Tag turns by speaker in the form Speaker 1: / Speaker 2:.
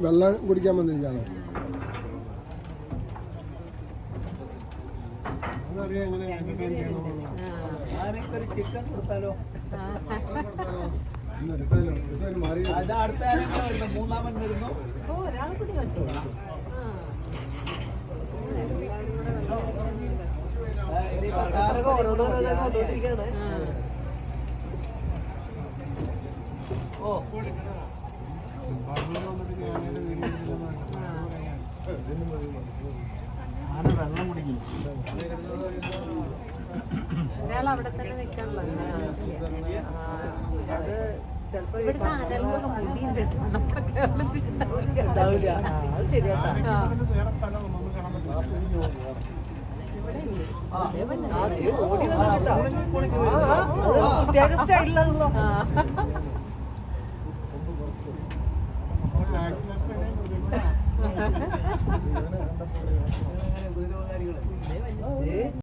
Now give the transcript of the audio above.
Speaker 1: വെള്ളം കുടിക്കാൻ വന്നിരിക്കുകയാണ്.
Speaker 2: ചിക്കൻ കൊടുത്താലോ? മൂന്നാമൻ വരുന്നു. ആന വെള്ളം കുടിക്കും.
Speaker 3: ഒരാൾ അവിടെ തന്നെ നിൽക്കാനുള്ള അത് ഇവിടുത്തെ ആനകൾക്കൊക്കെ മുടിയുണ്ട്. നമ്മുടെ കേരളത്തിൽ ഉണ്ടാവില്ല.
Speaker 2: അത് ശരിയാ. പ്രത്യേക സ്റ്റൈലിലാണല്ലോ.